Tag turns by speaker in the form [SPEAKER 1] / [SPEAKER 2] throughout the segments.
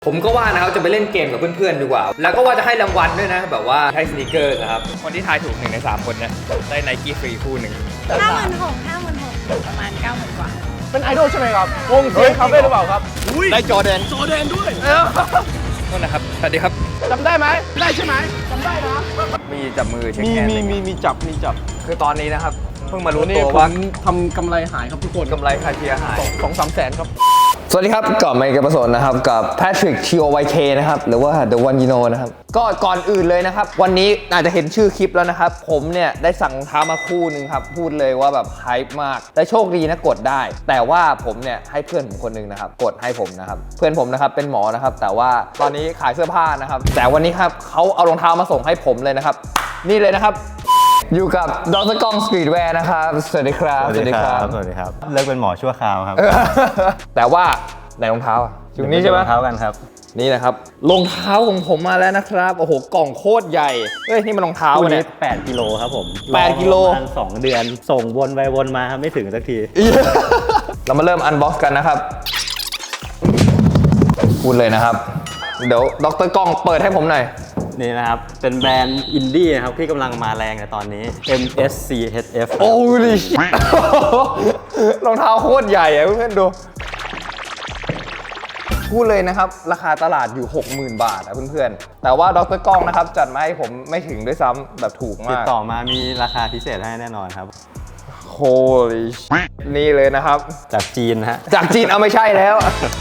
[SPEAKER 1] ผมก็ว่านะครับจะไปเล่นเกมกับเพื่อนๆดีกว่าแล้วก็ว่าจะให้รางวัลด้วยนะแบบว่าให้สนิเกอร์นะครับคนที่ทายถูก1 ใน 3คนเนี่ยได้ไนกี้ฟรีคู่หนึ่ง
[SPEAKER 2] 56,000ประมาณ90,000กว่า
[SPEAKER 3] เป็นไอดอลใช่ไหมครับวงเซียนคาเฟ่หรือเปล่าครับ
[SPEAKER 1] ได้จอแดนด้วยโทษนะครับสวัสดีครับ
[SPEAKER 3] จำได้ไหมได้ใช่ไหมจำได้นะ
[SPEAKER 1] มีจับมือเช็ค
[SPEAKER 3] มี
[SPEAKER 1] แอน
[SPEAKER 3] มีจับ
[SPEAKER 1] คือตอนนี้นะครับเพิ่งมารู้
[SPEAKER 3] นี่
[SPEAKER 1] ตัว
[SPEAKER 3] ผ
[SPEAKER 1] ว่าม
[SPEAKER 3] ทำกำไรหายครับทุกคน
[SPEAKER 1] กำไรคาเทียหาย
[SPEAKER 3] 2-3 แสนครับ
[SPEAKER 1] สวัสดีครับกลับมาอีกกับประสนนะครับกับแพทริก TOYK นะครับหรือว่า The One You Know นะครับก็ก่อนอื่นเลยนะครับวันนี้อาจจะเห็นชื่อคลิปแล้วนะครับผมเนี่ยได้สั่งรองเท้ามาคู่หนึ่งครับพูดเลยว่าแบบไฮป์มากและโชคดีนะกดได้แต่ว่าผมเนี่ยให้เพื่อนผมคนหนึ่งนะครับกดให้ผมนะครับเพื่อนผมนะครับเป็นหมอนะครับแต่ว่าตอนนี้ขายเสื้อผ้านะครับแต่วันนี้ครับเขาเอารองเท้ามาส่งให้ผมเลยนะครับนี่เลยนะครับอยู่กับดร.กองสตรีทแวร์นะครับสวัสดีครับ
[SPEAKER 4] สวัสดีครับเลิกเป็นหมอชั่วคราวครับ
[SPEAKER 1] แต่ว่าไหนรองเท้าอะอยู่นี่ใช่ไหม
[SPEAKER 4] รองเท้ากันครับ
[SPEAKER 1] นี่นะครับรองเท้าของผมมาแล้วนะครับโอ้โหกล่องโคตรใหญ่เฮ้ยนี่มันรองเท้า
[SPEAKER 4] คู่นี้
[SPEAKER 1] เนี่ย
[SPEAKER 4] 8 กิโลครับผม
[SPEAKER 1] 8 กิโล
[SPEAKER 4] ประมาณ2 เดือนส่งวนไปวนมาครับไม่ถึงสักที
[SPEAKER 1] เรามาเริ่มอันบ็อกซ์กันนะครับพูดเลยนะครับเดี๋ยวดร.กล้องเปิดให้ผมหน่อย
[SPEAKER 4] นี่นะครับเป็นแบรนด์อินดี้นะครับที่กำลังมาแรงในตอนนี้ MSCHF
[SPEAKER 1] โอ้ยรองเท้าโคตรใหญ่อะเพื่อนๆดูพูดเลยนะครับราคาตลาดอยู่ 60,000 บาทอะเพื่อนๆแต่ว่าดร.กล้องนะครับจัดมาให้ผมไม่ถึงด้วยซ้ำแบบถูกมาก
[SPEAKER 4] ติดต่อมามีราคาพิเศษให้แน่นอนครับ
[SPEAKER 1] Holy นี่เลยนะครับ
[SPEAKER 4] จากจีนฮะ
[SPEAKER 1] จากจีนเอาไม่ใช่แล้ว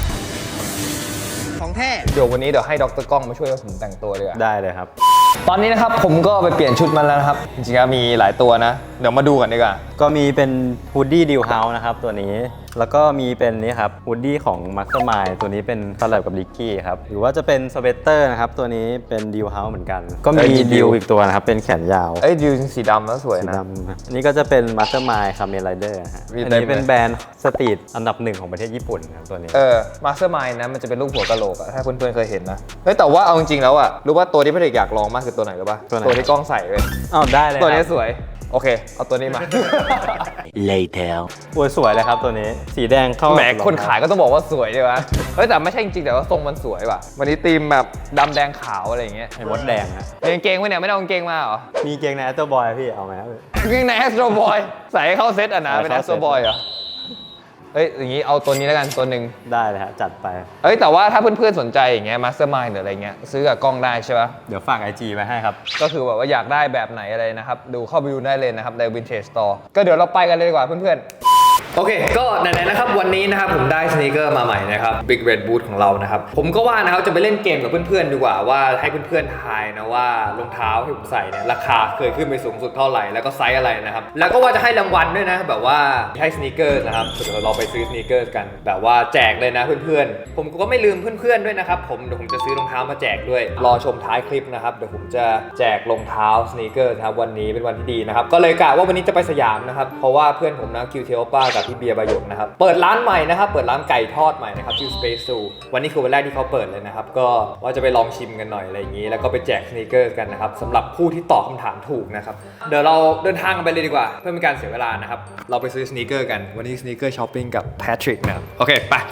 [SPEAKER 1] ของแท้เดี๋ยววันนี้เดี๋ยวให้ดร.กล้องมาช่วยผมแต่งตัวเลย
[SPEAKER 4] ได้เลยครับ
[SPEAKER 1] ตอนนี้นะครับผมก็ไปเปลี่ยนชุดมาแล้วนะครับจริงๆมีหลายตัวนะเดี๋ยวมาดูกันดีกว่า
[SPEAKER 4] ก็มีเป็นฮูดดี้ดิวเฮาส์นะครับตัวนี้แล้วก็มีเป็นนี่ครับฮูดดี้ของมัสเตอร์มายตัวนี้เป็นคอลแลบกับลิกกี้ครับหรือว่าจะเป็นสเวตเตอร์นะครับตัวนี้เป็นดิวเฮาส์เหมือนกันก็มีดิวอีกตัวนะครับเป็นแขนยาว
[SPEAKER 1] ดิวสีดำแล้วสวยนะ
[SPEAKER 4] อันนี้ก็จะเป็นมัสเตอร์มายคาเมนไรเดอร์ฮะอันนี้เป็นแบรนด์สตรีทอันดับ 1ของประเทศญี่ปุ่นครับตัวนี้
[SPEAKER 1] มาสเตอร์มายนะมันจะเป็นรูปหัวกะโหลกอะถ้าเพื่อนๆเคยเห็นนะแต่ว่าเอาจริงๆแล้วอะรู้ว่าตัวที่พี่เด็กอยากลองมากคือตัวไหนหรือปะตัวที่กล้องใส่เลย
[SPEAKER 4] ได้เลย
[SPEAKER 1] ตัวนี้สวยโอเคเอาตัวนี้มา
[SPEAKER 4] Later โอ้ยสวยเลยครับตัวนี้สีแดงเข้า
[SPEAKER 1] แหมคนขายก็ต้องบอกว่าสวยดีวะแต่ไม่ใช่จริงๆแต่ว่าทรงมันสวยว่ะวันนี้ธีมแบบดำแดงขาวอะไรอย่างเงี้ย
[SPEAKER 4] ไอ้มดแดงฮะ
[SPEAKER 1] กางเกงไว้เนี่ยไม่ได้กางเกงมาเหรอ
[SPEAKER 4] มีเกงในแอสโตรบอยพี่เอาไหม
[SPEAKER 1] กางเกงในแอสโตรบอยใส่ให้เข้าเซตอ่ะนะเป็นแอสโตรบอยเหรออย่างนี้เอาตัวนี้แล้วกันตัวหนึ่ง
[SPEAKER 4] ได้เลยฮะจัดไป
[SPEAKER 1] แต่ว่าถ้าเพื่อนๆสนใจอย่างเงี้ยมาสเตอร์มายหรืออะไรเงี้ยซื้อกับกล้องได้ใช่ปะ
[SPEAKER 4] เดี๋ยวฝาก IG ไว้ให้ครับ
[SPEAKER 1] ก็คือแบบว่าอยากได้แบบไหนอะไรนะครับดูเข้าไปดูได้เลยนะครับใน Vintage Store ก็เดี๋ยวเราไปกันเลยดีกว่าเพื่อนๆโอเคก็ไหนๆนะครับวันนี้นะครับผมได้สนีกเกอร์มาใหม่นะครับ Big Red Boot ของเรานะครับผมก็ว่านะครับจะไปเล่นเกมกับเพื่อนๆดีกว่าว่าให้เพื่อนๆทายนะว่ารองเท้าที่ผมใส่เนี่ยราคาเคยขึ้นไปสูงสุดเท่าไหร่แล้วก็ไซส์อะไรนะครับแล้วก็ว่าจะให้รางวัลด้วยนะแบบว่าให้สนีกเกอร์นะครับเดี๋ยวเราไปซื้อสนีกเกอร์กันแบบว่าแจกเลยนะเพื่อนๆผมก็ไม่ลืมเพื่อนๆด้วยนะครับเดี๋ยวผมจะซื้อรองเท้ามาแจกด้วยรอชมท้ายคลิปนะครับเดี๋ยวผมจะแจกรองเท้าสนีกเกอร์นะครับวันนี้เป็นวันที่ดีนะครับก็เลยกะว่าวันนี้จะไปสยามนะครับเพราะว่าเพื่อนผมนะคิวเทโอป้ากับพี่เบียร์บายกนะครับเปิดร้านใหม่นะครับเปิดร้านไก่ทอดใหม่นะครับชื่อ Space Zoo วันนี้คือวันแรกที่เขาเปิดเลยนะครับก็ว่าจะไปลองชิมกันหน่อยอะไรอย่างนี้แล้วก็ไปแจกสนีกเกอร์กันนะครับสำหรับผู้ที่ตอบคำถามถูกนะครับเดี๋ยวเราเดินทางกันไปเลยดีกว่าเพื่อไม่การเสียเวลานะครับเราไปซื้อสนีกเกอร์กันวันนี้สนีกเกอร์ช้อปปิ้งกับแพทริกนะครับโอเคไป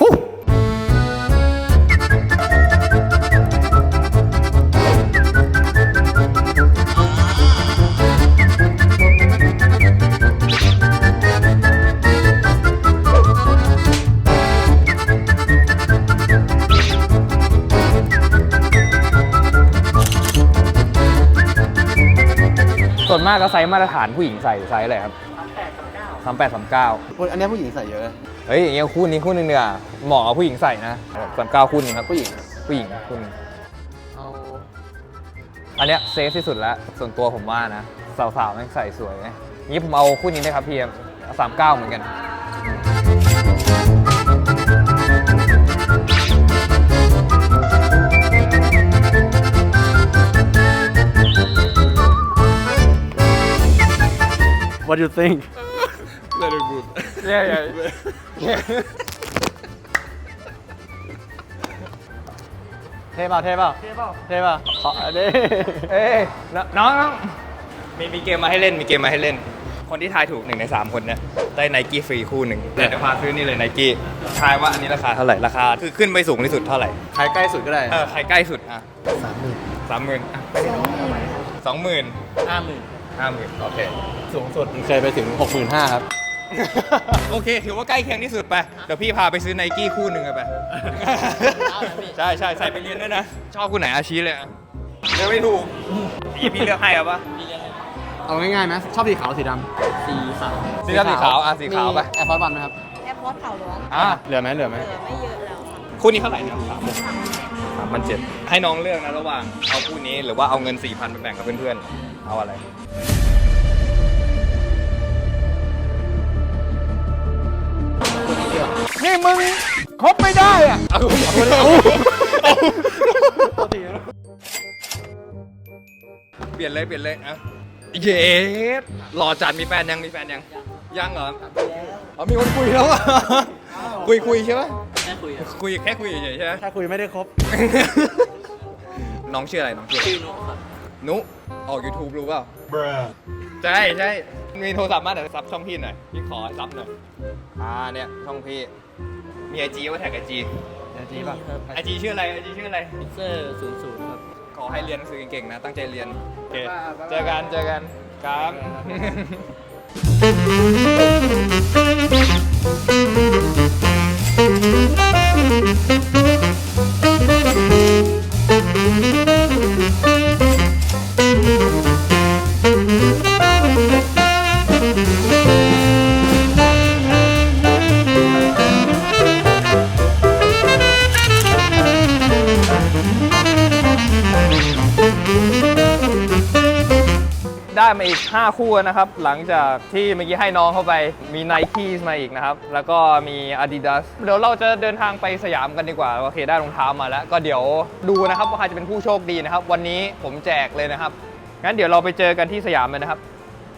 [SPEAKER 1] ส่วนมากก็ไซส์มาตรฐานผู้หญิงใส่ไซส์อะไรครับ38-39
[SPEAKER 3] อันนี้ผู้หญิงใส่เยอะ
[SPEAKER 1] อย่างเงี้ยคู่นี้คู่นึงเนี่ยเหมาะกับผู้หญิงใส่นะ39คู่นึงครับผู้หญิงคู่นึงอันเนี้ยเซฟที่สุดแล้วส่วนตัวผมว่านะสาวๆแม่งใส่สวยงี้ผมเอาคู่นี้ได้ครับพี่39เหมือนกัน
[SPEAKER 4] What do you think?
[SPEAKER 3] Very good.
[SPEAKER 1] Yeah.
[SPEAKER 4] เท่เปล่าขอดิ
[SPEAKER 1] น้องมีเกมมาให้เล่นคนที่ทายถูก1 ใน 3 คนเนี่ยได้ไนกี้ฟรีคู่หนึ่งแต่จะพาซื้อนี่เลยไนกี้ทายว่าอันนี้ราคาเท่าไหร่ราคาคือขึ้นไปสูงที่สุดเท่าไหร่
[SPEAKER 3] ใครใกล้สุดก็ได้
[SPEAKER 1] ใครใกล้สุดอ่ะ30,000อ่ะไปได้20,000 50,000โอเค
[SPEAKER 3] สูงสุดเคยไปถึง 65,000 ครับ
[SPEAKER 1] โอเคถือว่าใกล้เคียงที่สุดไปเดี๋ยวพี่พาไปซื้อไนกี้คู่หนึ่งไปใช่ใช่ใส่ไปเรียนด้วยนะชอบคู่ไหนอาชีเลยอ่ะเลือกไม่ถูกพี่เลือกให้เอาปะ
[SPEAKER 3] เอาง่ายๆนะชอบสีขาวสีดำสีขาว
[SPEAKER 1] สีขาวอ่ะสีขาวไป
[SPEAKER 3] แอร์ฟอร์วันไหมครับ
[SPEAKER 2] แอร์พอร์ตเขาหลวง
[SPEAKER 3] เหลือไหม
[SPEAKER 2] เหลือไม่เยอะแล้วค่ะ
[SPEAKER 1] คู่นี้เท่าไหร่เนี่ย3,700ให้น้องเลือกนะระหว่างเอาคู่นี้หรือว่าเอาเงิน 4,000ไปแบ่งกับเพื่อนๆเอาอะไรนี่มึงคบไม่ได้อ่ะเปลี่ยนเลยอ่ะเย้หล่อจัดมีแฟนยังยังเหรออ๋อมีคนคุยแล้วอ่ะคุยใช่ไหมแค่คุยเฉยๆใช่ไหม
[SPEAKER 3] ถ้าคุยไม่ได้ครบ
[SPEAKER 1] น้องชื่ออะไรชื่อนุครับนุออก YouTube รู้เปล่าใช่มีโทรศัพท์มาเดี๋ยวซับช่องพี่หน่อยพี่ขอซับหน่อยเนี่ยช่องพี่มีไอจีว่าแท็กไอจีป่ะไอจีชื่ออะไร
[SPEAKER 3] พิเซอร์00 ครับ
[SPEAKER 1] ขอให้เรียนหนังสือเก่งๆนะตั้งใจเรียนโอเคเจอกันครับ ได้มาอีก 5 คู่นะครับ หลังจากที่เมื่อกี้ให้น้องเข้าไปมี Nike มาอีกนะครับ แล้วก็มี Adidas เดี๋ยวเราจะเดินทางไปสยามกันดีกว่าโอเคได้รองเท้ามาแล้ว ก็เดี๋ยวดูนะครับว่าใครจะเป็นผู้โชคดีนะครับ วันนี้ผมแจกเลยนะครับ งั้นเดี๋ยวเราไปเจอกันที่สยามเลยนะครับ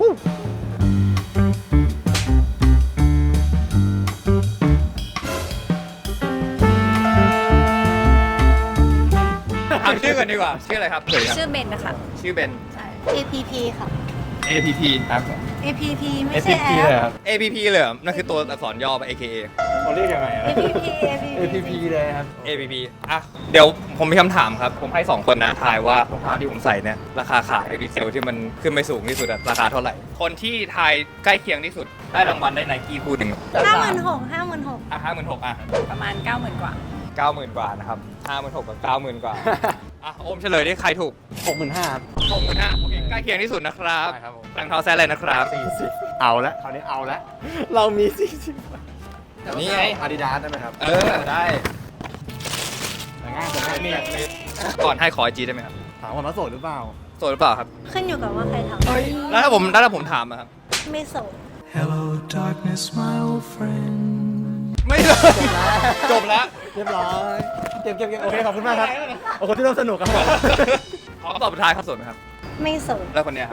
[SPEAKER 1] ถามชื่อกันดีกว่าชื่ออะไรครับ
[SPEAKER 2] ชื่อเบนนะคะ
[SPEAKER 1] ชื่อเบน
[SPEAKER 2] ใช่ APP ค่ะ
[SPEAKER 1] APP ครับ
[SPEAKER 2] APP ไม่ใช่แอป
[SPEAKER 1] APP เลยเหรอนั่นคือตัวอักษรย่อป่ะ AKA
[SPEAKER 3] เขาเรียกยังไง
[SPEAKER 2] APP
[SPEAKER 3] เลยครับ
[SPEAKER 1] APP อ่ะเดี๋ยวผมมีคำถามครับผมให้2คนนะทายว่ารองเท้าที่ผมใส่เนี่ยราคาขายรีเซลที่มันขึ้นไปสูงที่สุดอะราคาเท่าไหร่คนที่ทายใกล้เคียงที่สุดได้รางวัลได้ไนกี้คู่หนึ่ง
[SPEAKER 2] 56,000
[SPEAKER 1] อ่ะ56,000อ่ะ
[SPEAKER 2] ประมาณ 90,000 กว่า
[SPEAKER 1] 90,000 กว่านะครับ56,000กับ90,000 กว่าอ่ะโอมเฉลยดิใครถูก
[SPEAKER 3] 65,000 ครับ
[SPEAKER 1] 65,000โอเคใกล้เคียงที่สุดนะครับ
[SPEAKER 3] ใช่ครับผม
[SPEAKER 1] รองเท้าแซะอะไรนะครับ
[SPEAKER 3] เอาละคราวนี้เอาละเรามี 40
[SPEAKER 1] นี่ไง
[SPEAKER 3] อาดิดาสได้ไหมครับ
[SPEAKER 1] ได้
[SPEAKER 3] ง่ายกว่านี้
[SPEAKER 1] ก่อนให้ขอไอจีได้ไหมครับ
[SPEAKER 3] ถามว่ามาโสดหรือเปล่า
[SPEAKER 1] โสดหรือเปล่าครับ
[SPEAKER 2] ขึ้นอยู่กับว่าใครท
[SPEAKER 1] แล้วถ้าผมถามอะครับ
[SPEAKER 2] ำไม่โสด
[SPEAKER 5] Hello, darkness, my old friend.
[SPEAKER 1] ไม่เลยจบแล้ว
[SPEAKER 3] เรียบร้อยเก็บโอเคขอบคุณมากครับโอ้โหที่ร่วมสนุกครับผม
[SPEAKER 1] ขอตอบสุดท้ายครับโสดไหมครับ
[SPEAKER 2] ไม่โสด
[SPEAKER 1] แล้วคนเนี้ยครับ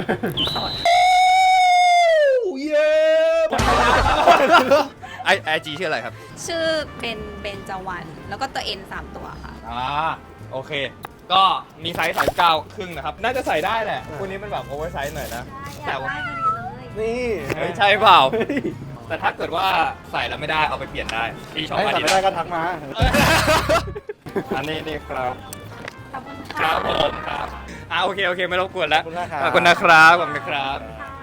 [SPEAKER 1] ไอจีชื่ออะไรครับ
[SPEAKER 2] ชื่อเป็นเบนจวัน แล้วก็ตัว N 3 ตัวค่ะ
[SPEAKER 1] โอเค ก็มีไซส์39ครึ่งนะครับ น่าจะใส่ได้แหละคู่นี้มันแบบโอเวอร์ไซส์หน่อยนะ แต่ว่า
[SPEAKER 3] นี่
[SPEAKER 1] ไม่ใช่เปล่า แต่ถ้าเกิดว่าใส่แล้วไม่ได้เอาไปเปลี่ยนได้ที่ช็อป
[SPEAKER 3] ให้
[SPEAKER 1] อา
[SPEAKER 3] สั่
[SPEAKER 1] ดิ
[SPEAKER 3] งไม่
[SPEAKER 1] ดา
[SPEAKER 3] ได้
[SPEAKER 1] ส
[SPEAKER 3] ก็ทักมา
[SPEAKER 1] อันนี้ครับ
[SPEAKER 2] ขอบคุณ
[SPEAKER 1] ค
[SPEAKER 2] ค่ะ
[SPEAKER 1] รับผมครับโอเคไม่รบกวนแล้ว
[SPEAKER 3] ขอบคุณนะครับ
[SPEAKER 1] ขอบคุณนะครับขอบคุณครับ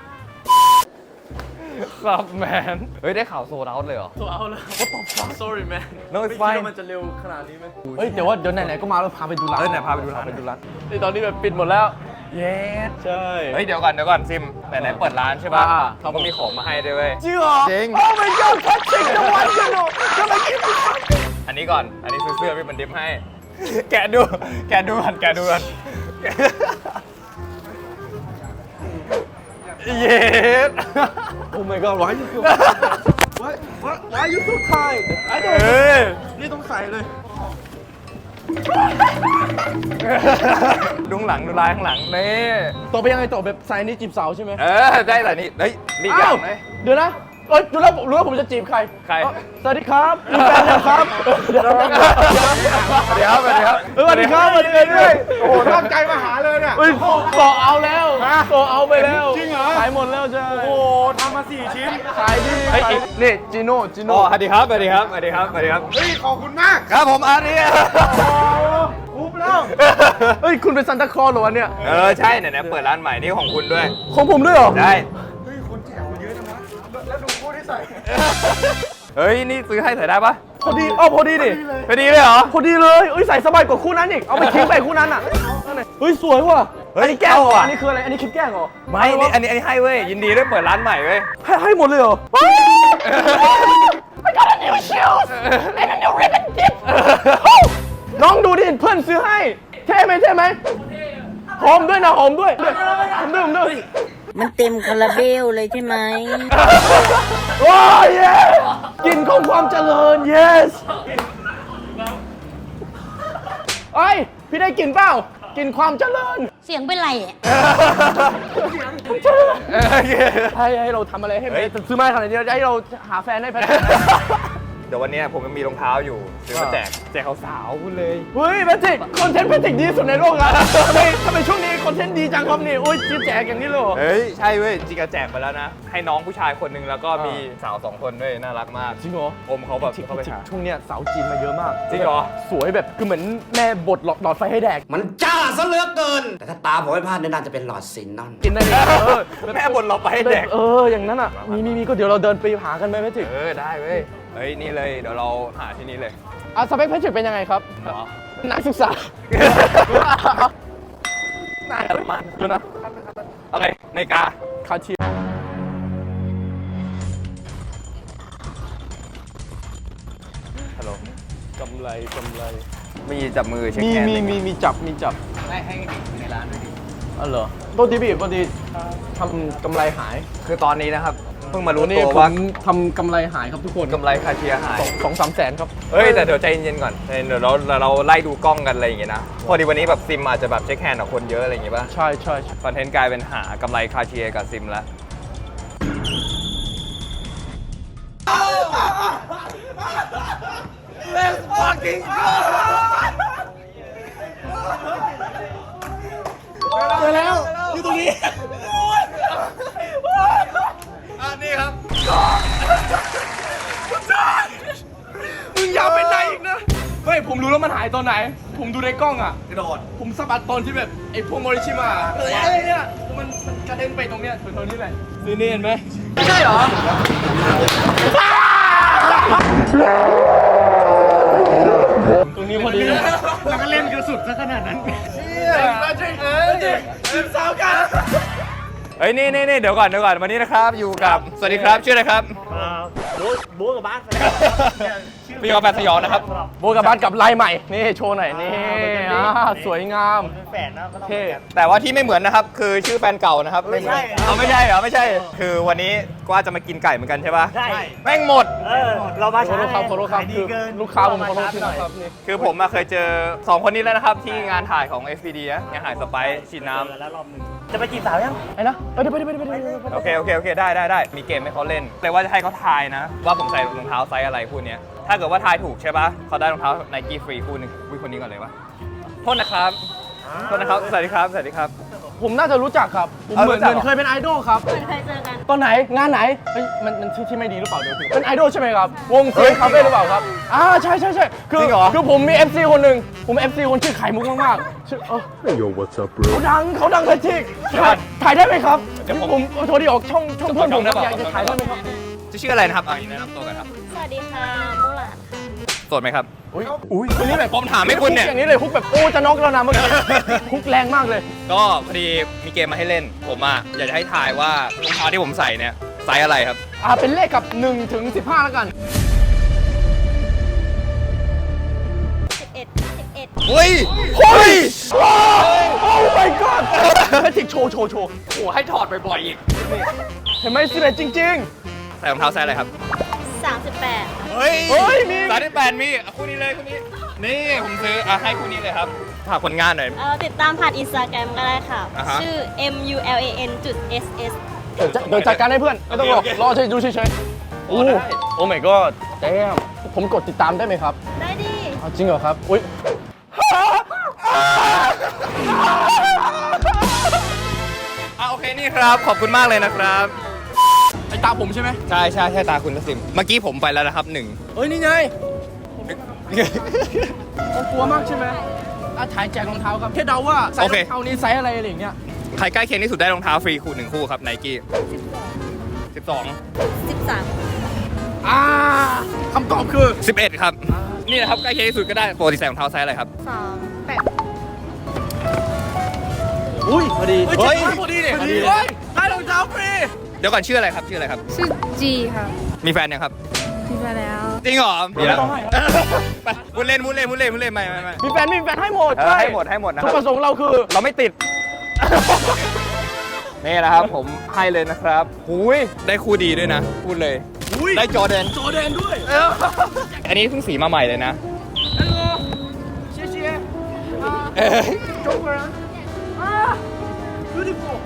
[SPEAKER 1] ครับแมนเฮ้ยได้ข่าวโซลด์เอาท์เลยเหรอ
[SPEAKER 3] ตัวเอาละ What the fuck sorry man
[SPEAKER 1] No, it's
[SPEAKER 3] ไม่คิด
[SPEAKER 1] fine
[SPEAKER 3] ว่ามันจะเร็วขนาดนี้ไหมเฮ้ยแต่ว่าเดี๋ยวไหนๆก็มาแล้วพาไปดูร้าน
[SPEAKER 1] ไหนพาไปดูร้าน
[SPEAKER 3] นี่ตอนนี้แบบปิดหมดแล้ว
[SPEAKER 1] เย้
[SPEAKER 3] ใช่
[SPEAKER 1] เฮ้ยเดี๋ยวก่อนซิมไหนเปิดร้านใช่ป่ะเขาก็มีของมาให้ด้วยเว้ย
[SPEAKER 3] จริงเหรอ
[SPEAKER 1] จริง
[SPEAKER 3] Oh my god ทัชชิงจังหวัดกันหนูจะมากิน
[SPEAKER 1] อันนี้ก่อนอันนี้ซื้อเสื้อพี่มันดิฟให้ แกะดูก่อนเย้
[SPEAKER 3] Oh my god why you so why you so kind ไอ้เด็กนี่ต้องใส่เลย
[SPEAKER 1] ดูข้างหลังดูลายข้างหลังนี่
[SPEAKER 3] ต่อไปยังไงต่อแบบใส่นี่จีบสาวใช่ไหม
[SPEAKER 1] ได้แต่นี่เฮ้ยนี่อย่างไหม
[SPEAKER 3] เดี๋ยวนะเอ้ยรู้แล้วผมจะจีบใคร
[SPEAKER 1] ใคร
[SPEAKER 3] สวัสดีครับมีแฟนนะครับเดี๋ยว
[SPEAKER 1] สวัสดีครับ
[SPEAKER 3] สวัสดีครับสวัสดีด้วยโอ้โหตั้งใจมาหาเลยเนี่ยโซเอาแล้วโซเอาไปแล้วจริงเหรอขายหมดแล้วใช่โอ้ทำมา4 ชิ้นขายดีนี่จีโน่
[SPEAKER 1] อ๋อสวัสดีครับสวัสดีครับสวัสดีครับสวัสดีครับ
[SPEAKER 3] เฮ้ยขอบคุณมาก
[SPEAKER 1] ครับผมอาร์ตเนี่ย
[SPEAKER 3] อุ๊บแล้วเฮ้ยคุณเป็นซันตาคลอสเหรอวะเนี่ย
[SPEAKER 1] ใช่ไหนๆเปิดร้านใหม่นี่ของคุณด้วย
[SPEAKER 3] ของผมด้วยเหรอ
[SPEAKER 1] ได้
[SPEAKER 3] เฮ้ยคนแจกมาเยอะจังวะแล้วดูคู่ที่ใส่
[SPEAKER 1] เฮ้ยนี่ซื้อให้ใส่ได้ปะ
[SPEAKER 3] พอดีพอดีดิ
[SPEAKER 1] พอดีเลยเหรอ
[SPEAKER 3] พอดีเลยเอ้ยใส่สบายกว่าคู่นั้นอีกเอาไปทิ้งไปคู่นั้นอ่ะเฮ้ยสวยว่ะ
[SPEAKER 1] เฮ้ย
[SPEAKER 3] อันนี้แกล้งเหรอ
[SPEAKER 1] เข้าอ่ะ
[SPEAKER 3] อันนี้คืออะไรอันนี้คลิปแกล้งเหรอ
[SPEAKER 1] ไม่นี่อันนี้ให้เว้ยยินดีด้วยเปิดร้านใหม่เว้ย
[SPEAKER 3] ให้หมดเลยเหรอ I got a new shoes and a new ribbon tip น้องดูดิเพื่อนซื้อให้เท่ไหมหอมด้วยนะหอมด้วยหอมด้วย
[SPEAKER 6] มันเต็มคาราเบลเลยใช่ไหม
[SPEAKER 3] ว้าว yes กลิ่นของความเจริญ yes เอ้ยพี่ได้กลิ่นเปล่ากลิ่นความเจริญ
[SPEAKER 6] เสียงเป็นไรอ่ะ
[SPEAKER 3] ให้เราทำอะไรให้มันซื้อมาขนาดนี้ให้เราหาแฟนให้แพท
[SPEAKER 1] เดี๋ยววันนี้ผมมีรองเท้าอยู่ซื้อมาแจกสาวๆคุณเลย
[SPEAKER 3] เฮ้ยแพทริกคอนเทนต์แพทริกดีที่สุดในโลกแล้วทำไมช่วงนี้คอนเทนต์ดีจังครับนี่โอ้ยจิ๊บแจกอย่างนี้เลยเหรอ
[SPEAKER 1] เฮ้ยใช่เว้ยจริงๆแจกไปแล้วนะให้น้องผู้ชายคนหนึงแล้วก็มีสาว2 คนด้วยน่ารักมาก
[SPEAKER 3] จริงเหรอ
[SPEAKER 1] อมเขาแบบเข้าไปหา
[SPEAKER 3] ช่วงเนี้ยสาวจีนมาเยอะมาก
[SPEAKER 1] จริงเหรอ
[SPEAKER 3] สวยแบบคือเหมือนแม่บดหลอดไฟให้แดก
[SPEAKER 7] มันจ้าซะเหลือเกิน แต่ถ้าตาผมไม่พลาดเนี่ยน่าจะเป็นหลอดซินนอน
[SPEAKER 3] กินได้เลย
[SPEAKER 1] แม่บนเราไปให้แดก
[SPEAKER 3] อย่างนั้นอ่ะมีก็เดี๋ยวเราเดินไปหากันไหมแพทริก
[SPEAKER 1] ได้เว้ยเฮ้ยนี่เลยเดี๋ยวเราหาที่นี่เลย
[SPEAKER 3] สเปคแพทริกเป็นยังไงครับ
[SPEAKER 1] เนาะ
[SPEAKER 3] นักศึกษาไหนอะไรมาดูนะ
[SPEAKER 1] อะไรนาฬิกา
[SPEAKER 3] คาเทียฮัลโหลกำไร
[SPEAKER 1] มีจับมือเช็ค
[SPEAKER 3] มี
[SPEAKER 1] แฮนด์
[SPEAKER 3] มีจับ
[SPEAKER 1] ให้เด็กในร้านด้วยดิ
[SPEAKER 3] อ๋อเหรอโทษทีพี่พอดีทำกำไรหาย
[SPEAKER 1] คือตอนนี้นะครับเพิ่งมารู้
[SPEAKER 3] วันนี้
[SPEAKER 1] ตัว
[SPEAKER 3] ผ
[SPEAKER 1] ว่าม
[SPEAKER 3] ทำกำไรหายครับทุกคน
[SPEAKER 1] กำไรคาเทียหาย
[SPEAKER 3] 2-3 แสนครับ
[SPEAKER 1] เฮ้ยแต่เดี๋ยวใจเย็นๆก่อนเดี๋ยวเราไล่ดูกล้องกันอะไรอย่างเงี้ยนะพอดีวันนี้แบบซิมอาจจะแบบเช็คแฮนด์กับคนเยอะอะไรอย่างเงี้ยป่ะ
[SPEAKER 3] ใช่
[SPEAKER 1] คอนเทนต์กลายเป็นหากำไรคาเทียกับซิมแล้ว
[SPEAKER 3] เจอแล้วอยู่ตรงนี้
[SPEAKER 1] นี่ครับ
[SPEAKER 3] มึงอย่าไปไหนอีกนะเฮ้ยผมรู้แล้วมันหายตอนไหน ผมดูในกล้องอ่ะกระโดดผมสะบัดตอนที่แบบไอ้พวกโมริชิมาเนี่ยมันกระเด็นไปตรงเนี้ยตรงนี้แหละนี่เห็นไหมไม่ใช่เหรอตรงนี้พอดีแล้วก็เล่นกระสุดซะขนาดนั้นสิบสาวกัน
[SPEAKER 1] เฮ้ยนี่เดี๋ยวก่อนวันนี้นะครับอยู่กับสวัสดีครับชื่ออะไรครับบู๊กับบ้านพี่กอล์ฟแฟนสยองนะครับ
[SPEAKER 3] โบกับบัสกับลายใหม่นี่โชว์หน่อยนี่สวยงามเท่
[SPEAKER 1] แต่ว่าที่ไม่เหมือนนะครับคือชื่อแฟนเก่านะครับไม่เหมือนเอาไม่ใช่เหรอไม่ใช่ คือวันนี้ก็จะมากินไก่เหมือนกันใช่ปะใช่แม่งหมด
[SPEAKER 3] เรามาขอโทษครับคือลูกค้าผมขอโทษทีนะครับนี่
[SPEAKER 1] คือผมมาเคยเจอ2 คนนี้แล้วนะครับที่งานถ่ายของ FPD นะงานถ่ายสไปซ์ฉีดน้ำ
[SPEAKER 3] ไอ้นะไปดิ
[SPEAKER 1] โอเคได้มีเกมให้เขาเล่นเลยว่าจะให้เขาทายนะ ว่าผมใส่รองเท้าไซส์อะไรคู่เนี้ยถ้าเกิดว่าทายถูกใช่ปะเขาได้รองเท้า Nike ฟรีคู่หนึงวิคนนี้ก่อนเลยวะโทษนะครับสวัสดีครับ
[SPEAKER 3] ผมน่าจะรู้จักครับผมเหมือนเคยเป็นไอดอลครับ
[SPEAKER 6] เคยเจอกัน
[SPEAKER 3] ตอนไหนงานไหนเฮ้ยมันที่ไม่ดีหรือเปล่าเดี๋ยวเป็นไอดอลใช่ไหมครับวงเซียคาเฟ่หรือเปล่าครับใช่คือผมมี FC คนหนึ่งผม FC คนชื่อไข่มุกมากๆชื่อYo what's up bro เขาดังเลยทิกถ่ายได้ไหมครับผมโทรดีออกช่องเพื่อนผมอยากจะถ่ายได้ไหมครับ
[SPEAKER 1] จะชื่ออะไรนะครับแนะนำตัวกันครับ
[SPEAKER 6] สวัสดีค่ะมูหลาดค่ะ
[SPEAKER 1] โสดไหมครับ
[SPEAKER 3] อุ้ยวันนี้แบบ
[SPEAKER 1] ผมถามให้คุณเนี่ย
[SPEAKER 3] อย่างนี้เลยฮุกแบบโอ้จะน็อกแล้วนะเมื่อกี้ฮุกแรงมากเลย
[SPEAKER 1] ก็พอดีมีเกมมาให้เล่น ผมอ่ะอยากจะให้ทายว่ารองเท้าที่ผมใส่เนี่ยไซส์อะไรครับ
[SPEAKER 3] เป็นเลขกับ1 ถึง 15แล้วกัน
[SPEAKER 6] 11
[SPEAKER 1] เฮ้ย
[SPEAKER 3] โอ้ my god แพทริกโชว์โอ้ให้ถอดบ่อยๆอีกเห็นไหม11จริง
[SPEAKER 1] ใส่รองเท้าไซส์อะไรครับ
[SPEAKER 6] 38
[SPEAKER 1] เฮ้ย
[SPEAKER 3] เฮ้ยมี
[SPEAKER 1] 38มีคู่นี้เลยคู่นี้ นี่ผมซื้อให้คู่นี้เลยครับฝากผลงานหน่อย
[SPEAKER 6] ติดตามผ่านอินสตาแกรมก็ได้ค่ะ
[SPEAKER 1] อ่าฮะ
[SPEAKER 6] ชื่อ mulan.ss
[SPEAKER 3] ๆเดี๋ยวจัดการให้เพื่อนไม่ต้องรอ
[SPEAKER 1] โอเค
[SPEAKER 3] รอดูเฉยโอ้ โอ้ my god แจมผมกดติดตามได้ไหมครับ
[SPEAKER 6] ได้ดิ
[SPEAKER 3] เอาจริงเหรอครับ อุ้ย
[SPEAKER 1] โอเคนี่ครับขอบคุณมากเลยนะครับ
[SPEAKER 3] ไอตาผมใช่ไหม
[SPEAKER 1] ใช่ใช่ใช่ตาคุณทัศซิมเมื่อกี้ผมไปแล้วนะครับ1
[SPEAKER 3] เฮ้ย นี่ไงผมกลัวมากใช่ไหมถ่ายแจกรองเท้าครับแค่เดาว่าไซส์รองเท้านี้ไซส์อะไรอะไรอย่างเงี้ย
[SPEAKER 1] ใครใกล้เคียงที่สุดได้รองเท้าฟรีคู่1คู่ครับไนกี้12
[SPEAKER 2] 13
[SPEAKER 3] คำตอบคือ
[SPEAKER 1] 11ครับนี่นะครับใกล้เคียงที่สุดก็ได้ปกติใส่รองเท้าไซส์อะไรครับ
[SPEAKER 2] 38
[SPEAKER 3] อุ้ยพอดี
[SPEAKER 1] เฮ้ย
[SPEAKER 3] พอดีเนี่ยพอดีเลยได้รองเท้าฟรี
[SPEAKER 1] เดี๋ยวก่อนชื่ออะไรครับชื่ออะไรครับ
[SPEAKER 2] ชื่อจีค่ะ
[SPEAKER 1] มีแฟนยังครับ
[SPEAKER 2] มีมาแล้ว
[SPEAKER 1] จริงเหรอมีแล้ว
[SPEAKER 3] ไม่ต้องให้
[SPEAKER 1] ไปมุดเล่นไม่
[SPEAKER 3] มีแฟนให้หมด
[SPEAKER 1] ให้หมดนะค
[SPEAKER 3] จุ
[SPEAKER 1] รั
[SPEAKER 3] ด
[SPEAKER 1] บ
[SPEAKER 3] ประสงค์เราคือ
[SPEAKER 1] เราไม่ติด นี่แหละครับผมให้เลยนะครับหุยได้คู่ดีด้วยนะ พูดเลย ได้จอร์แดน
[SPEAKER 3] โจแดนด้วย
[SPEAKER 1] อันนี้เพิ่งสีมาใหม่เลยนะ
[SPEAKER 3] ฮัลโหลเชียร์เชียร์
[SPEAKER 1] เอ้ย
[SPEAKER 3] โจเกอร์beautiful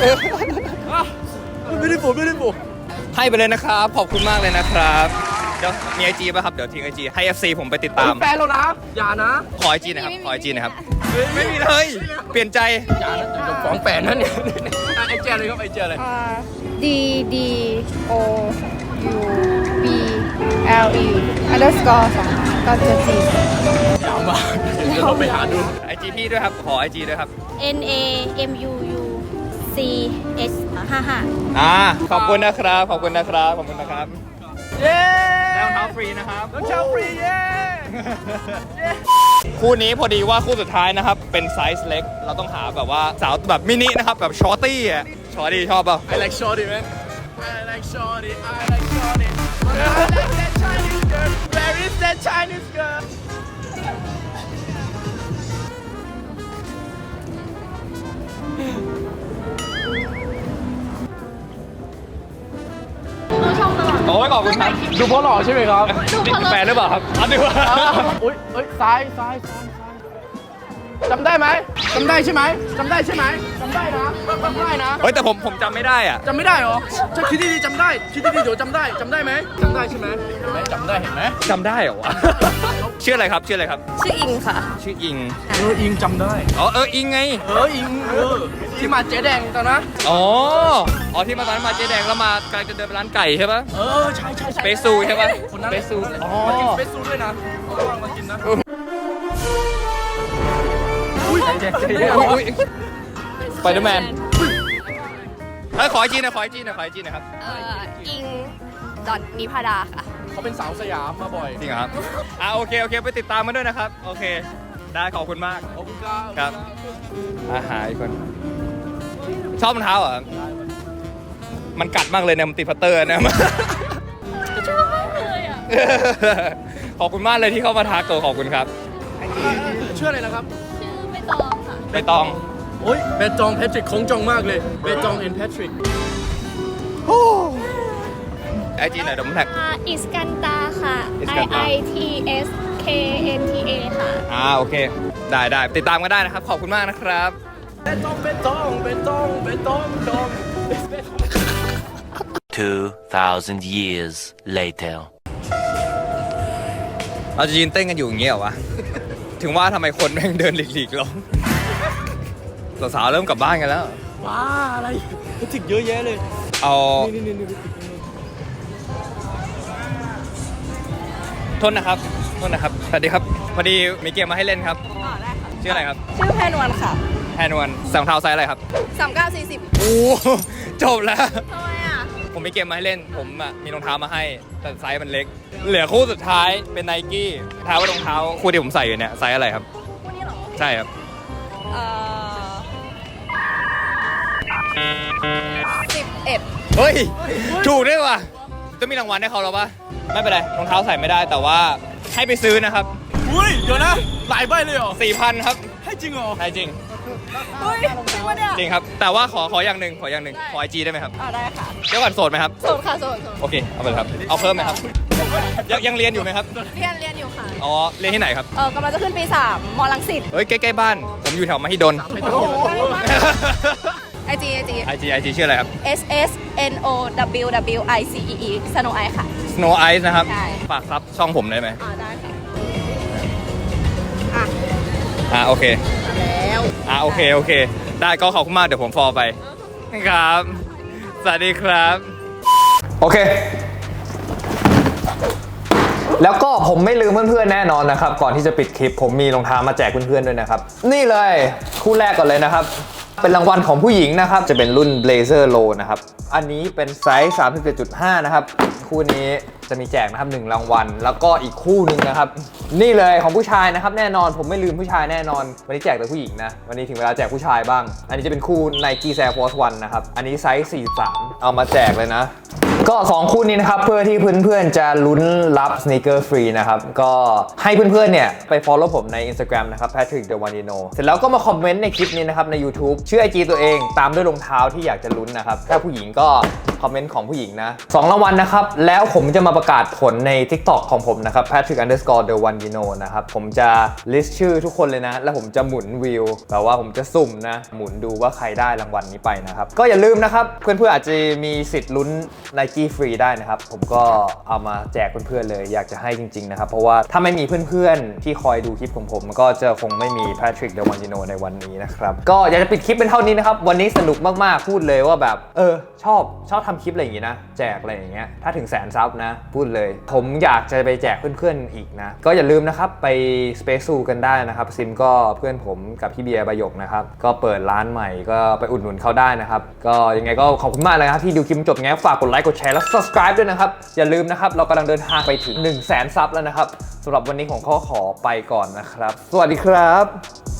[SPEAKER 3] beautiful
[SPEAKER 1] ให้ไปเลยนะครับ ขอบคุณมากเลยนะครับ เดี๋ยวมีไอจีป่ะครับ เดี๋ยวทิ้งไอจีให้ FC ผมไปติดตาม
[SPEAKER 3] แฟนเรานะ อย่านะ
[SPEAKER 1] ขอไอจีนะครับ ขอไอจีนะครับ ไม่มีเลย เปลี่ยนใจ
[SPEAKER 3] อย่านะจะฟ้องแฟนนั่นเนี่ยไอเจเลยครับไอเจเลย
[SPEAKER 2] D D O U B L E underscore 2ก็จะจี
[SPEAKER 3] ยาวมากเดี๋ยวเราไปหาดู
[SPEAKER 1] ไอจีพี่ด้วยครับ ขอไอจีด้วยครับ
[SPEAKER 6] N A M U U C S 55
[SPEAKER 1] ขอบคุณนะครับ ขอบคุณนะครับ ขอบคุณนะครับ
[SPEAKER 3] เย้
[SPEAKER 1] ได้รองเท้าฟรีนะครับ
[SPEAKER 3] รองเท้าฟรีเย้
[SPEAKER 1] คู่นี้พอดีว่าคู่สุดท้ายนะครับ เป็นไซส์เล็ก เราต้องหาแบบว่าสาวแบบมินินะครับ แบบชอร์ตี้อ่ะชอร์ตี้ชอบเปล่า
[SPEAKER 3] I like shorty man I like shorty I like shorty I like that Chinese girl Where is that Chinese girl
[SPEAKER 1] โอ้ยขอบคุณครับ
[SPEAKER 3] ดูเพราะหล่อใช่ไหมครับ
[SPEAKER 1] นี่แฟนหรือเปล่าครับอ๋อดูว่า
[SPEAKER 3] อุ้ยเอ้ยซ้ายจำได้ไหมจำได้ใช่ไหมจำได้ใช่ไหมจำได้นะจำได้นะ
[SPEAKER 1] เฮ้ยแต่ผมจำไม่ได้อ่ะ
[SPEAKER 3] จำไม่ได้เหรอถ้าคิดดีๆจำได้คิดดีๆเดี๋ยวจำได้ไหมจำได้ใช่ไหมเห็นไหมจำได้เห็นไหม
[SPEAKER 1] จำได้เหรอวะ ชื่ออะไรครับ ชื่ออะไรครับ
[SPEAKER 2] ชื่ออิงค่ะ
[SPEAKER 1] ชื่ออิง
[SPEAKER 3] อิงจำได้
[SPEAKER 1] อ๋ออิงไง
[SPEAKER 3] อิงที่มาเจ๊แดงตอนนะ
[SPEAKER 1] อ๋อที่มาตอนนั้นมาเจ๊แดงแล้วมากำลังจะเดินไปร้านไก่ใช่ปะ
[SPEAKER 3] ใช่
[SPEAKER 1] สเปซซูใช่ปะ
[SPEAKER 3] คนนั้น
[SPEAKER 1] สเปซซูอ๋อ
[SPEAKER 3] มากินสเปซซูด้วยนะเอาว่างมากินนะ
[SPEAKER 1] อุ้ยสไปเดอร์แมนขอไอจีหน่อยครับ
[SPEAKER 2] อิงดอนนิพาดาค่ะ
[SPEAKER 3] เขาเป็นสาวสยามมาบ่อย
[SPEAKER 1] จริงเหรอครับโอเคไปติดตามมาด้วยนะครับ โอเค ได้ขอบคุณมาก
[SPEAKER 3] ขอบคุณครับ
[SPEAKER 1] ครับ หาอีกคน ชอบรองเท้าเหรอ มันกัดมากเลยเนี่ยมันติดพัตเตอร์นะ
[SPEAKER 6] ชอบมากเลยอ่ะ
[SPEAKER 1] ขอบคุณมากเลยที่เข้ามาทักตัวขอบคุณครับ
[SPEAKER 3] ชื่ออะไรนะครับ
[SPEAKER 6] ชื่อใบตองค่ะ
[SPEAKER 1] ใบตอง
[SPEAKER 3] โอ้ยเบตองแพทริกของจองมากเลยเบตองแอนแพทริก
[SPEAKER 1] ไอจีหน่อยเดี๋ยวผมแท็ก
[SPEAKER 6] อิสกันตาค่ะ
[SPEAKER 1] อิสกันตา
[SPEAKER 6] I T S K N T A ค่ะ
[SPEAKER 1] โอเค ได้ติดตามกันได้นะครับ ขอบคุณมากนะครับ
[SPEAKER 3] เบตอง
[SPEAKER 8] 2,000 years later.
[SPEAKER 1] เราจะยืนเต้นกันอยู่อย่างเงี้ยเหรอวะ ถึงว่าทำไมคนแม่งเดินหลีกๆลงสาวๆเริ่มกลับบ้านกันแล้ว
[SPEAKER 3] ว้าอะไรแพทริกเยอะแยะเลย
[SPEAKER 1] เอา
[SPEAKER 3] นี่
[SPEAKER 1] โทษนะครับ สวัสดีครับ พอดีมีเกมมาให้เล่นครับ
[SPEAKER 2] ได้ค่ะ
[SPEAKER 1] ชื่ออะไรครับ
[SPEAKER 2] ชื่อแพนวันค่ะ
[SPEAKER 1] แฮนวนใส่รองเท้าไซส์อะไรครับ
[SPEAKER 2] 3940
[SPEAKER 1] โอ้จบแล้ว
[SPEAKER 2] ทำไมอ่ะ
[SPEAKER 1] ผมมีเกมมาให้เล่น ผมมีรองเท้ามาให้ แต่ไซส์มันเล็ก เหลือคู่สุดท้ายเป็นไนกี้ท้ายว่ารองเท้าคู่ที่ผมใส่อยู่เนี่ยไซส์อะไรครับ
[SPEAKER 2] คู่นี้เหรอ
[SPEAKER 1] ใช่ครับ
[SPEAKER 2] 11
[SPEAKER 1] เฮ้ย ถูกด้วยว่ะจะมีรางวัลให้เขาแล้วปะไม่เป็นไร รองเท้าใส่ไม่ได้ แต่ว่าให้ไปซื้อนะครับ
[SPEAKER 3] อุ้ยเดี๋ยวนะหลายใบเลยเหรอ
[SPEAKER 1] 4,000 ครับ
[SPEAKER 3] ให้จริงเหรอ
[SPEAKER 1] ได้จริง
[SPEAKER 2] เฮ้ยจริงปะเนี่ย
[SPEAKER 1] จริงครับ แต่ว่าขออย่างหนึ่งขอไอจีได้ไหมครับ
[SPEAKER 2] ได้ค่ะ
[SPEAKER 1] เดี๋ยวก่อนโสดไหมครับ
[SPEAKER 2] โสดค่ะโสด
[SPEAKER 1] โอเค เอาไปเลยครับ เอาเพิ่มไหมครับ ยังเรียนอยู่ไหมครับ
[SPEAKER 2] เรียนอยู่ค่ะ
[SPEAKER 1] อ๋อ เรียนที่ไหนครับ
[SPEAKER 2] กำลังจะขึ้นปี 3 มรังสิต
[SPEAKER 1] เฮ้ย ใกล้ๆบ้าน ผมอยู่แถวมหิดล
[SPEAKER 2] ไอ
[SPEAKER 1] IG ชื่ออะไรครับ
[SPEAKER 6] SSNOWWICEE Snow Ice ค่ะ
[SPEAKER 1] Snow Ice นะครับ
[SPEAKER 6] ใช่
[SPEAKER 1] ฝากซับช่องผมได้ไหม
[SPEAKER 6] ได้ค่ะ
[SPEAKER 1] โอเค
[SPEAKER 6] แล้ว
[SPEAKER 1] โอเค ได้ก็ขอบคุณมาก เดี๋ยวผมฟอลไปครับ สวัสดีครับ โอเค แล้วก็ผมไม่ลืมเพื่อนๆแน่นอนนะครับ ก่อนที่จะปิดคลิปผมมีรองเท้ามาแจกเพื่อนๆด้วยนะครับ นี่เลยคู่แรกก่อนเลยนะครับ เป็นรางวัลของผู้หญิงนะครับ จะเป็นรุ่น Blazer Low นะครับ อันนี้เป็นไซส์ 37.5 นะครับ คู่นี้จะมีแจกนะครับ1รางวัล แล้วก็อีกคู่หนึ่งนะครับ นี่เลยของผู้ชายนะครับ แน่นอนผมไม่ลืมผู้ชายแน่นอน วันนี้แจกแต่ผู้หญิงนะ วันนี้ถึงเวลาแจกผู้ชายบ้าง อันนี้จะเป็นคู่ Nike Air Force 1 นะครับ อันนี้ไซส์ 43 เอามาแจกเลยนะ ก็2คู่นี้นะครับเพื่อที่เพื่อนๆจะลุ้นรับสเนคเกอร์ฟรีนะครับก็ให้เพื่อนๆเนี่ยไป follow ผมใน Instagram นะครับ Patrick The One You Know เสร็จแล้วก็มาคอมเมนต์ในคลิปนี้นะครับใน YouTube ชื่อ IG ตัวเองตามด้วยรองเท้าที่อยากจะลุ้นนะครับถ้าผู้หญิงก็คอมเมนต์ของผู้หญิงนะ2รางวัลนะครับแล้วผมจะมาประกาศผลใน TikTok ของผมนะครับ Patrick_The One You Know นะครับผมจะ list ชื่อทุกคนเลยนะแล้วผมจะหมุนวิวแบบว่าผมจะสุ่มนะหมุนดูว่าใครได้รางวัลนี้ไปนะครับก็อย่าลืมนะครับเพื่อนๆอาจจะมีสิทธิ์ลุ้น Nike ฟรีได้นะครับผมก็เอามาแจกเพื่อนๆเลยอยากจะให้จริงๆนะครับเพราะว่าถ้าไม่มีเพื่อนๆที่คอยดูคลิปของผมก็จะคงไม่มี Patrick The One You Know ในวันนี้นะครับก็อยากจะปิดคลิปเป็นเท่านี้นะครับวันนี้สนุกมากๆพูดเลยว่าแบบชอบทำคลิปอะไรอย่างงี้นะแจกอะไรอย่างเงี้ยถ้าถึงแสนซับนะพูดเลยผมอยากจะไปแจกเพื่อนๆอีกนะก็อย่าลืมนะครับไป Space Zoo กันได้นะครับซิมก็เพื่อนผมกับพี่เบียร์ประโยคนะครับก็เปิดร้านใหม่ก็ไปอุดหนุนเขาได้นะครับก็ยังไงก็ขอบคุณมากเลยครับที่ดูคลิปจบไงฝากกดไลค์กดแชร์และ subscribe ด้วยนะครับอย่าลืมนะครับเรากำลังเดินทางไปถึง 100,000 ซับแล้วนะครับสำหรับวันนี้ผมขอไปก่อนนะครับสวัสดีครับ